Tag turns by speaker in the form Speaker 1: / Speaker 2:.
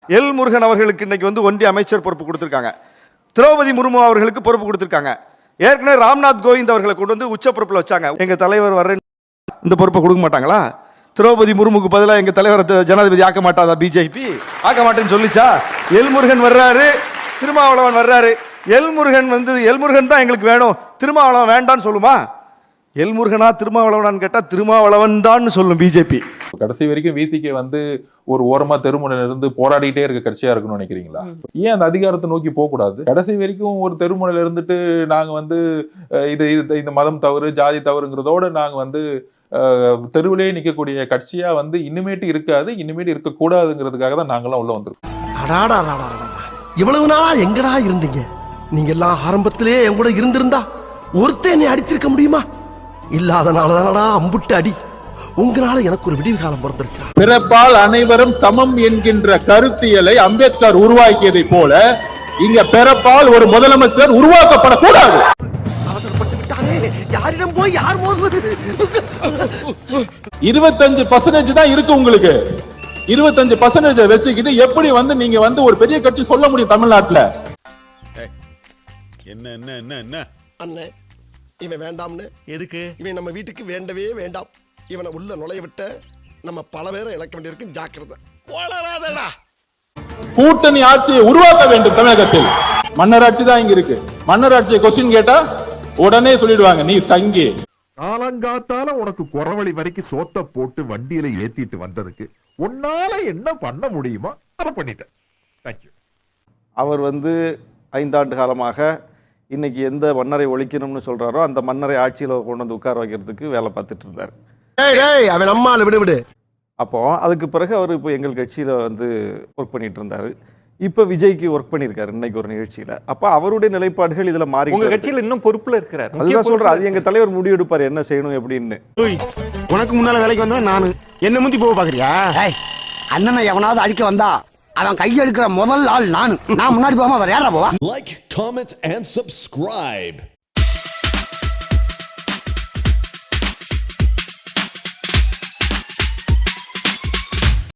Speaker 1: L Murugan அவர்களுக்கு இன்னைக்கு வந்து ஒன்றிய அமைச்சர் பொறுப்பு கொடுத்திருக்காங்க. திரௌபதி முர்மு அவர்களுக்கு பொறுப்பு கொடுத்திருக்காங்க. ஏற்கனவே ராம்நாத் கோவிந்த் அவர்களை கொண்டு வந்து உச்ச பொறுப்புல வச்சாங்க. எங்க தலைவர் வர்ற இந்த பொறுப்பை கொடுக்க மாட்டாங்களா? திரௌபதி முர்முக்கு பதிலாக எங்க தலைவர் ஜனாதிபதி ஆக்க மாட்டாதா பிஜேபி? ஆக்க மாட்டேன்னு சொல்லிச்சா? எல் முருகன் வர்றாரு, திருமாவளவன் வர்றாரு. எல் முருகன் தான் எங்களுக்கு வேணும், திருமாவளவன் வேண்டான்னு சொல்லுமா? எல் முருகனா திருமாவளவனான்னு கேட்டா திருமாவளவன் தான் சொல்லும் பிஜேபி.
Speaker 2: கடைசி வரைக்கும் விசிகே வந்து ஒரு ஓரமா தெருமுனையில இருந்து போராடிட்டே இருக்க கட்சியா இருக்குன்னு நினைக்கிறீங்களா? ஏன் அந்த அதிகாரத்தை நோக்கி போக கூடாது? கடைசி வரைக்கும் ஒரு தெருமுனையில இருந்துட்டு நாங்க வந்து இது இந்த மதம் தவறு, ஜாதி தவறுங்கிறதோட நாங்க வந்து தெருவிலே நிக்கக்கூடிய கட்சியா வந்து இனிமேட்டு இருக்காது, இனிமேட்டு இருக்கக்கூடாதுங்கிறதுக்காக தான் நாங்கெல்லாம் உள்ள வந்திருக்கோம்.
Speaker 3: இவ்வளவு நாளா எங்கடா இருந்தீங்க? நீங்க எல்லாம் ஆரம்பத்திலே என் கூட இருந்திருந்தா ஒருத்தன் நீ அடிச்சிருக்க முடியுமா? இல்லாதனாலதானடா அம்புட்டு அடி. உங்களால எனக்கு ஒரு விடிவு காலம் பிறந்துருச்சு.
Speaker 4: பிறப்பால் அனைவரும் சமம் என்கின்ற கருத்தியலை அம்பேத்கர் உருவாக்கியதை போல இங்க பிறப்பால் ஒரு முதலமைச்சர் உருவாக்கப்படக்கூடாது.
Speaker 3: அவசரப்பட்டு விட்டானே, யாரிடம் போய் யார் மோதுவது?
Speaker 4: 25% தான் இருக்கு உங்களுக்கு. 25% வச்சுக்கிட்டு எப்படி வந்து நீங்க வந்து ஒரு பெரிய கட்சி சொல்ல முடியும் தமிழ்நாட்டுல?
Speaker 5: என்ன என்ன என்ன என்ன
Speaker 3: அண்ணே, இவன் வேண்டாம்னு. எதுக்கு? இவன் நம்ம வீட்டுக்கு வேண்டவே வேண்டாம். இவனை உள்ள நுழைய விட்ட நம்ம பல பேரை இழக்க வேண்டியிருக்கு. ஜாக்கிரதை.
Speaker 4: கூட்டணி ஆட்சியை உருவாக்க வேண்டும் தமிழகத்தில். மன்னராட்சி தான் இங்க இருக்கு. மன்னராட்சியை கொஸ்டின் கேட்டா உடனே சொல்லிடுவாங்க நீ சங்கி.
Speaker 6: காலங்காத்தால உனக்கு குறவழி வரைக்கும் சோத்த போட்டு வண்டியில ஏத்திட்டு வந்ததுக்கு உன்னால என்ன பண்ண முடியுமோ அதை பண்ணிட்டேன். தேங்க்யூ. அவர்
Speaker 1: 5 ஆண்டு காலமாக இன்னைக்கு எந்த மன்னரை ஒழிக்கணும்னு சொல்றாரோ அந்த மன்னரை ஆட்சியில் கொண்டு வந்து உட்கார வைக்கிறதுக்கு வேலை பார்த்துட்டு இருந்தார்.
Speaker 3: அவன் அம்மால விடு விடு.
Speaker 1: அப்போ அதுக்கு பிறகு அவர் இப்போ எங்கள் கட்சியில் ஒர்க் பண்ணிட்டு இருந்தாரு. இப்போ விஜய்க்கு ஒர்க் பண்ணியிருக்காரு இன்னைக்கு ஒரு நிகழ்ச்சியில். அப்போ அவருடைய நிலைப்பாடுகள் இதில் மாறி
Speaker 7: உங்க கட்சியில் இன்னும் பொறுப்புல இருக்கிறார்.
Speaker 1: அதுதான் சொல்றேன், அது எங்க தலைவர் முடிவு எடுப்பார் என்ன செய்யணும் எப்படின்னு.
Speaker 8: உனக்கு முன்னால வேலைக்கு வந்தவன் நானு, என்ன முந்தி போக பாக்குறியா?
Speaker 3: அண்ணனை எவனாவது அடிக்க வந்தா அவன் கையெடுக்கிற முதல் ஆள் நானு. நான் முன்னாடி போகாம வேற யாரா போவா?
Speaker 5: Like, comment and subscribe.